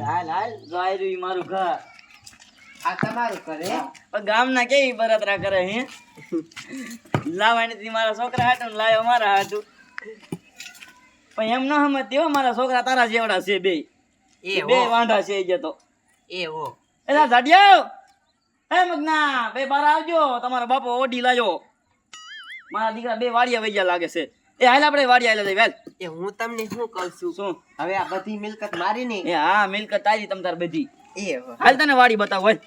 હાલ જાય રહ્યું મારું ઘર. આ તમારું કરે પણ ગામના કેવી બળતરા કરે હે લાવવાની મારા છોકરા હાટું લાવ્યો મારા હાટું. પણ એમ ન સમજતી હો, મારા છોકરા તારા જેવડા છે બે વાંઢા છે એ તો. એવો એલા જાડિયો, હે મગના બે બાર આવજો, તમારો બાપો ઓઢી લાજો. મારા દીકરા બે વાડિયા વૈયા લાગે છે. એ હાલ આપણે વાડિયા આલે વેલ. એ હું તમને શું કહું છું શું? હવે આ બધી મિલકત મારી ને. એ હા, મિલકત તારી તમ તાર બધી. એવો હાલ તને વાડી બતાવ હાલ.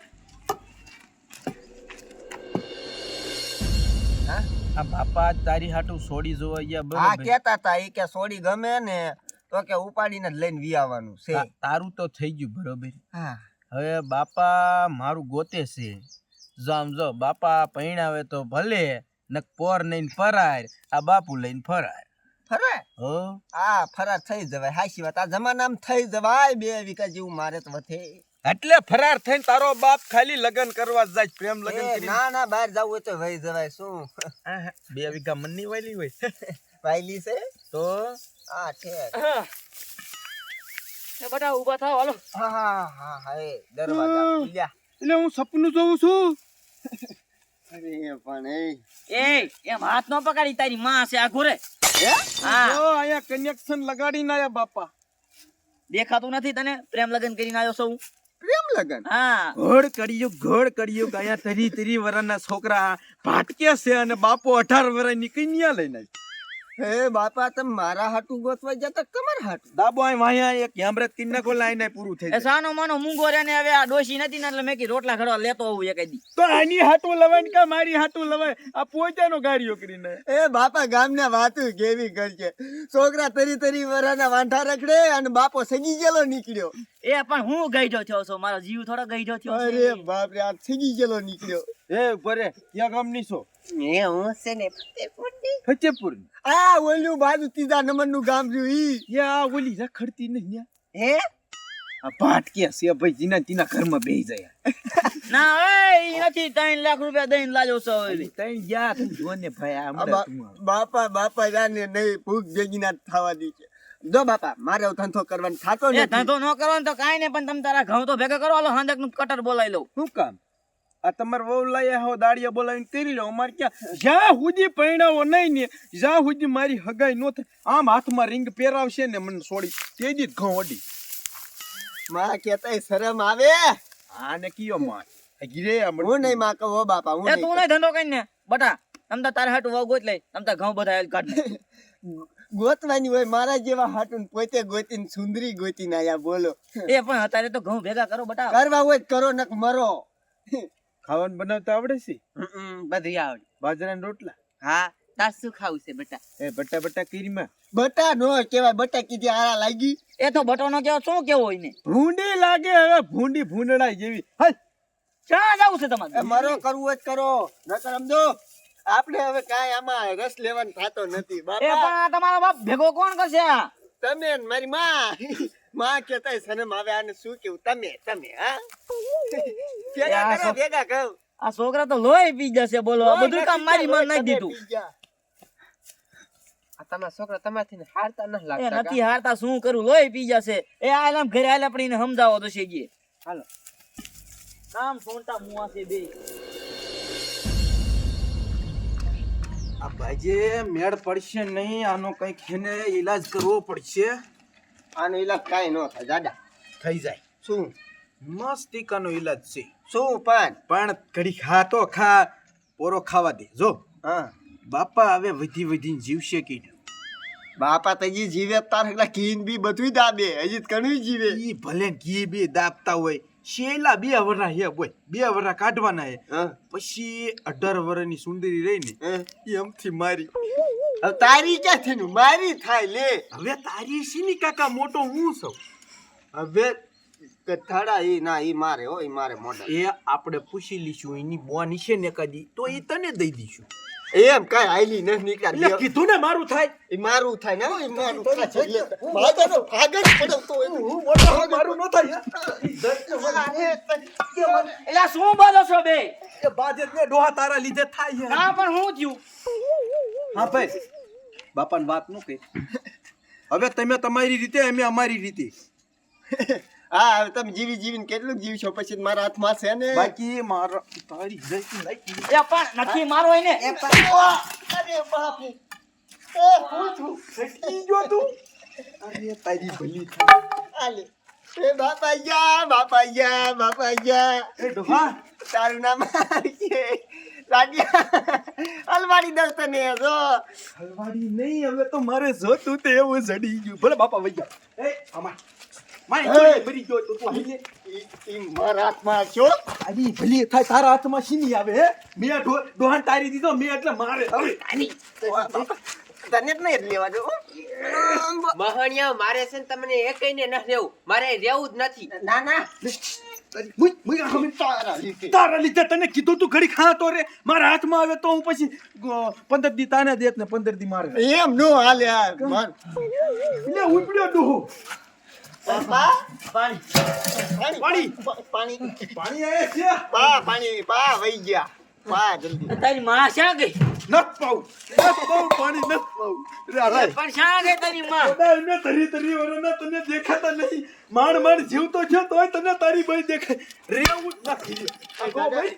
આ બાપા તારી હાટું સોડી જોવા ગયા હા બરોબર. કેતા તા ઈ કે સોડી ગમે ને તો કે ઉપાડીને જ લઈને વી આવવાનું છે. તારું તો થઈ ગયું બરોબર. હા હવે બાપા મારું ગોતે છે. જો આમ જો બાપા પૈણાવે તો ભલે, નક પોર લઈને ફરાય, આ બાપુ લઈને ફરાય. ફરાય હો હા ફરાર થઈ જવાય. હાચી વાત, આ જમાનામાં થઈ જવાય. 2 વીઘા જેવું મારે તો વધે. એટલે ફરાર થઈને તારો બાપ ખાલી લગન કરવા જાય, પ્રેમ લગન એ કરી. ના ના બહાર જવું હોય તો વહી જવાય. શું 2 વીઘા મનની વાલી હોય વાયલી છે તો હા ઠેક. એ બટા ઊભા થાવ હાલો. હા હા હા હા એ દરવાજા ખુલ્યા. એટલે હું સપનું જોઉં છું. અરે પણ એમ હાથ નો પકડી, તારી માં છે આ ઘોરે. હા જો અહીંયા કનેક્શન લગાડીને આયા બાપા. દેખાતું નથી તને? પ્રેમ લગન કરીને આવ્યો છું. પ્રેમ લગન હા ઘોડ કર્યું કે અહીંયા 30 વર્ષના છોકરા ભાટકે છે અને બાપો 18 વર્ષની કન્યા લઈને આવી. હે બાપા તમે મારા હાટું ગોતવા જતા તમારા હાટું. દાબો અહીં વાયા એક હેમરત કિન્ના કો લાઈને પૂરું થઈ એ જાય. સાનો માનો મૂંગો રે ને હવે આ ડોશી નથી ને એટલે મેં કી રોટલા ઘડવા લેતો આવું એક દી. તો આની હાટું લવાય કે મારી હાટું લવાય? આ પોતાનો ગાડીઓ કરીને. એ બાપા ગામના વાતું કેવી કરશે. છોકરા 30 વર્ષના વાંઠા રખડે અને બાપો સગી ગયેલો નીકળ્યો. એ પણ હું ગઈઢો થયો છું, મારો જીવ થોડો ગઈઢો થયો છે. અરે બાપ રે, આ સગી ગયેલો નીકળ્યો. એ ભરે ક્યાં ગામની છો? એ હું છે ને ફતેપુર. આ ઓલ્યું બાજુ 3 નંબરનું ગામ રહ્યું ઈ. યા ઓલી રખડતી નહીં. હે આ ભાટકે છે ભાઈ, જીના તીના ઘરમાં બેહી જાય. ના એ નથી 3 લાખ રૂપિયા દઈને લાજો છો હવે. તઈ ગયા તું જોને ભાઈ આ હમણાં તું આવ. બાપા જાને નહીં ભૂખ ભેગી ના થવા દી છે. જો બાપા મારે ધંધો કરવાનો થાતો એ નથી. ધંધો ન કરવાનો તો કાઈ નહીં, પણ તમે તારા ઘઉં તો ભેગા કરો. હાલો હાંજક નું કટર બોલાવી લઉં. શું કામ? આ તમાર વહુ લાયા હો દાડિયા બોલાવીને તેરી લો. અમાર ક્યાં જ્યાં સુધી પૈણાવો નહીં ને જ્યાં સુધી મારી હગાઈ નો થાય, આમ હાથમાં રિંગ પહેરાવશે ને મને છોડી તેજી જ ઘઉં અડી. માં કેતાય શરમ આવે. આને કયો માં ગીરે હું નહીં માં કહો બાપા હું એ તું નહીં ધંધો કરીને બટા, તમ તારે હાટું વાવ ગોત લઈ, તમ તાર ઘઉં બધા કાઢ. ગોતવાની હોય મારા જેવા હાટું પોતે ગોતીને સુંદરી ગોતીને આયા બોલો. એ પણ અત્યારે તો ઘઉં ભેગા કરો બટા. કરવા હોય તો કરો નક મરો. ખાવાનું બનાવતા આવડે છે? બધું આવડે. બાજરાના રોટલા? હા તાર શું ખાવું છે બેટા? એ બટા કીરીમાં બટા નો કેવાય, બટા કીધી આરા લાગી. એ તો બટો નો કેવો શું કેવો હોય ને. ભૂંડી લાગે હવે, ભૂંડી ભૂંડડાઈ જેવી. હાલ ક્યાં જવું છે તમારે? મરો કરવું હોય તો કરો નકર સમજો આપણે હવે કાંઈ આમાં રસ લેવાનો થતો નથી. એ બાપા પણ આ તમારો બાપ ભેગો કોણ કરશે આ? તમે ને મારી માં કેતાય શરમ આવે. આને શું કેવું તમે હા ભેગા કરો ભેગા કહું. આ છોકરા તો લોહી પી જશે બોલો. આ બધું કામ મારી માં નાખી દીધું. આ તમારા છોકરા તમારથી હારતા ન એ લાગતા. નથી હારતા, શું કરું, લોહી પી જશે. એ આલામ ઘરે આલે આપણે એને સમજાવો તો છે ગયે. હાલો કામ સોંટા મુઆ છે બે. આ ભાઈજે મેળ પડશે નહીં, આનો કઈક એને ઈલાજ કરવો પડશે. આનો ઈલાજ કાંઈ ન થાય દાદા. થઈ જાય શું મસ્તિકાનો ઈલાજ છે. શું પણ ઘડી ખા તો ખા, પોરો ખાવા દે. જો હા બાપા હવે વધીને જીવશે કે બાપા તો જી જીવે તાર એકલા કીન બી બધું દાબે. હજી તો ઘણું જીવે. ઈ ભલે ઘી બી દાબતા હોય, શેલા 2 વર્ષ હે બોય, 2 વર્ષ કાઢવાના હે. પછી 18 વર્ષની સુંદરી રહી ને એમથી મારી. હવે તારી ક્યાંથી નું મારી થાય લે. હવે તારી શીની કાકા મોટો હું છું. હવે કથાડા ઈ ના ઈ મારે હો, ઈ મારે મોઢા. એ આપણે પૂછી લીશું એની બોની છે ને કદી તો એ તને દઈ દઈશું. એમ કાંઈ આઈલી ન નીકળ્યા. એટલે કીધું ને મારું થાય. ઈ મારું થાય ને ઈ મારું થાય છે. માતાનો ભાગજ પડતો હોય. હું મોટો મારું ન થાય. એલા શું બોલો છો બે? એ બાજેત ને ડોહા તારા લીધે થાય છે. ના પણ હું થયું? હા ભાઈ, બાપાને વાત ન કહી. હવે તમે તમારી રીતે, અમે અમારી રીતે. હા હવે તમે જીવી જીવીને કેટલું જીવશો પછી મારા હાથમાં છે ને બાકી મારા તારી જઈતી લાગી એ પણ નથી મારો હોય ને અરે બાપુ એ પૂછું સટી જો તું અરે તારી ભલી થાય આલે એ બાપા ગયા એ ડોહા તારું નામ છે રાડિયા હલવાડી દસ તને જો હલવાડી નહીં હવે તો મારે જોતું તે એવું જડી ગયું ભલે બાપા વઈ ગયા એ અમાર માય મરી ગયો તો તું હાલે ઈ મારા હાથમાં છો આની ભલી થાય તારા હાથમાં શીની આવે હે મેં ડોહાન તારી દીધો મેં એટલે મારે હવે તને જ નહીં લેવા જો મહણિયા મારે છે ને તમને એ કઈને ન રહેવું મારે રહેવું જ નથી ના ના મુઈ અમે તારા લીધે તને કીધું તું ઘડી ખા તો રે મારા હાથમાં આવે તો હું પછી 15 દી તાને દેત ને 15 દી મારે એમ નો હાલે યાર મન લે ઉપડ્યો ડોહો પા પાણી પાણી પાણી આયે છે પાણી પા વઈ ગયા પા જલ્દી તારી માં શા ગઈ નત પાઉ પાણી નત પાઉ રે રે પણ શા ગઈ તારી માં ઓડા એને તરી વરના તને દેખાતા નહીં માણ જીવતો છે તોય તને તારી ભાઈ દેખાય રેવું જ નથી આગો ભાઈ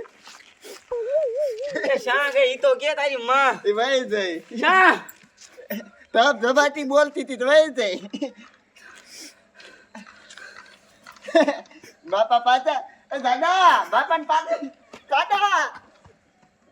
એ શા ગઈ ઈ તો કે તારી માં એ વઈ જાય શા તબ જબાતી બોલતી હતી તો વઈ જાય બાપા પાછા દાદા બાપાને પાસે દાદા